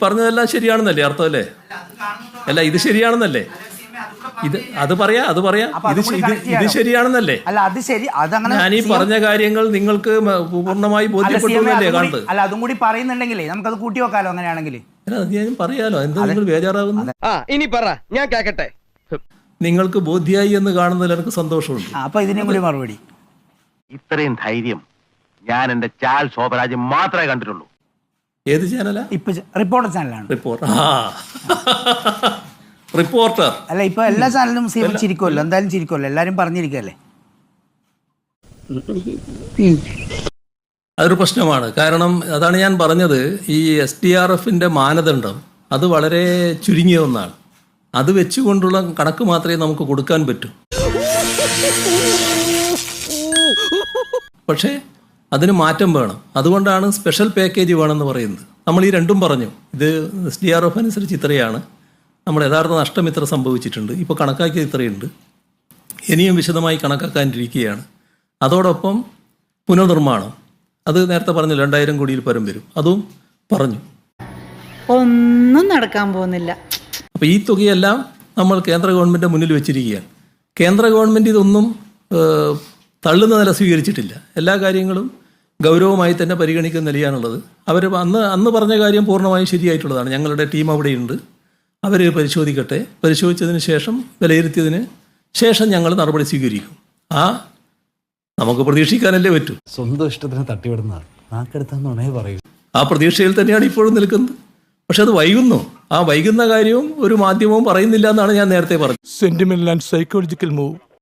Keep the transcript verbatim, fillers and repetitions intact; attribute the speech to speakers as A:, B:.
A: പറഞ്ഞതെല്ലാം ശരിയാണെന്നല്ലേ അർത്ഥം അല്ലേ? അല്ല ഇത് ശരിയാണെന്നല്ലേ? ഇത് അത് പറയാ അത് പറയാ ഇത് ഇത് ശരിയാണെന്നല്ലേ?
B: അല്ല അത് ശരി, അതങ്ങനെ
A: ഞാൻ ഈ പറഞ്ഞ കാര്യങ്ങൾ നിങ്ങൾക്ക് പൂർണ്ണമായി ബോധ്യപ്പെട്ടല്ലേ കാണുന്നത്?
B: അല്ല അതും കൂടി പറയുന്നുണ്ടെങ്കിലേ നമുക്കത് കൂട്ടി വെക്കാലോ അങ്ങനെയാണെങ്കിൽ.
A: അല്ല അത് ഞാൻ പറയാലോ, എന്താ നിങ്ങൾ ബേജാറാവുന്നു?
C: ഇനി പറ, ഞാൻ കേക്കട്ടെ.
A: നിങ്ങൾക്ക് ബോധ്യായി എന്ന് കാണുന്നതിൽ എനിക്ക് സന്തോഷമുണ്ട്.
B: അപ്പൊ ഇതിനും കൂടി മറുപടി.
D: ഇത്രയും ധൈര്യം ഞാൻ എന്റെ ചാൽ ശോഭരാജ് മാത്രമേ കണ്ടിട്ടുള്ളൂ.
A: ഏത് ചാനലാ?
B: ഇപ്പൊ റിപ്പോർട്ടർ ചാനലാണ്.
A: റിപ്പോർട്ടർ റിപ്പോർട്ടർ
B: അല്ല ഇപ്പൊ എല്ലാ ചാനലും ചിരിക്കുമല്ലോ, എന്തായാലും ചിരിക്കുമല്ലോ, എല്ലാരും പറഞ്ഞിരിക്കല്ലേ.
A: അതൊരു പ്രശ്നമാണ്. കാരണം അതാണ് ഞാൻ പറഞ്ഞത്, ഈ എസ് ഡി ആർ എഫിന്റെ മാനദണ്ഡം അത് വളരെ ചുരുങ്ങിയ ഒന്നാണ്. അത് വെച്ചുകൊണ്ടുള്ള കണക്ക് മാത്രമേ നമുക്ക് കൊടുക്കാൻ പറ്റൂ. പക്ഷേ അതിന് മാറ്റം വേണം. അതുകൊണ്ടാണ് സ്പെഷ്യൽ പാക്കേജ് വേണമെന്ന് പറയുന്നത്. നമ്മൾ ഈ രണ്ടും പറഞ്ഞു, ഇത് എസ് ഡി ആർ എഫ് അനുസരിച്ച് ഇത്രയാണ്, നമ്മുടെ യഥാർത്ഥ നഷ്ടം ഇത്ര സംഭവിച്ചിട്ടുണ്ട്, ഇപ്പോൾ കണക്കാക്കിയത് ഇത്രയുണ്ട്, ഇനിയും വിശദമായി കണക്കാക്കാനിരിക്കുകയാണ്. അതോടൊപ്പം പുനർനിർമ്മാണം, അത് നേരത്തെ പറഞ്ഞു രണ്ടായിരം കോടിയിൽ പരം വരും, അതും പറഞ്ഞു.
E: ഒന്നും നടക്കാൻ പോകുന്നില്ല.
A: അപ്പോൾ ഈ തുകയെല്ലാം നമ്മൾ കേന്ദ്ര ഗവൺമെൻറ് മുന്നിൽ വെച്ചിരിക്കുകയാണ്. കേന്ദ്ര ഗവൺമെൻറ് ഇതൊന്നും തള്ളുന്ന നില സ്വീകരിച്ചിട്ടില്ല. എല്ലാ കാര്യങ്ങളും ഗൗരവമായി തന്നെ പരിഗണിക്കുന്ന നിലയാണുള്ളത്. അവർ അന്ന് അന്ന് പറഞ്ഞ കാര്യം പൂർണ്ണമായും ശരിയായിട്ടുള്ളതാണ്. ഞങ്ങളുടെ ടീം അവിടെയുണ്ട്, അവർ പരിശോധിക്കട്ടെ, പരിശോധിച്ചതിന് ശേഷം വിലയിരുത്തിയതിന് ശേഷം ഞങ്ങൾ നടപടി സ്വീകരിക്കും. ആ നമുക്ക് പ്രതീക്ഷിക്കാനല്ലേ പറ്റൂ.
F: സ്വന്തം ഇഷ്ടത്തിന് തട്ടിവിടുന്നതാണ് നാക്കെടുത്താന്നുണേ പറയൂ.
A: ആ പ്രതീക്ഷയിൽ തന്നെയാണ് ഇപ്പോഴും നിൽക്കുന്നത്. പക്ഷെ അത് വൈകുന്നു. ആ വൈകുന്ന കാര്യവും ഒരു മാധ്യമവും പറയുന്നില്ല എന്നാണ് ഞാൻ നേരത്തെ പറഞ്ഞത്.
G: Sentimental and psychological move.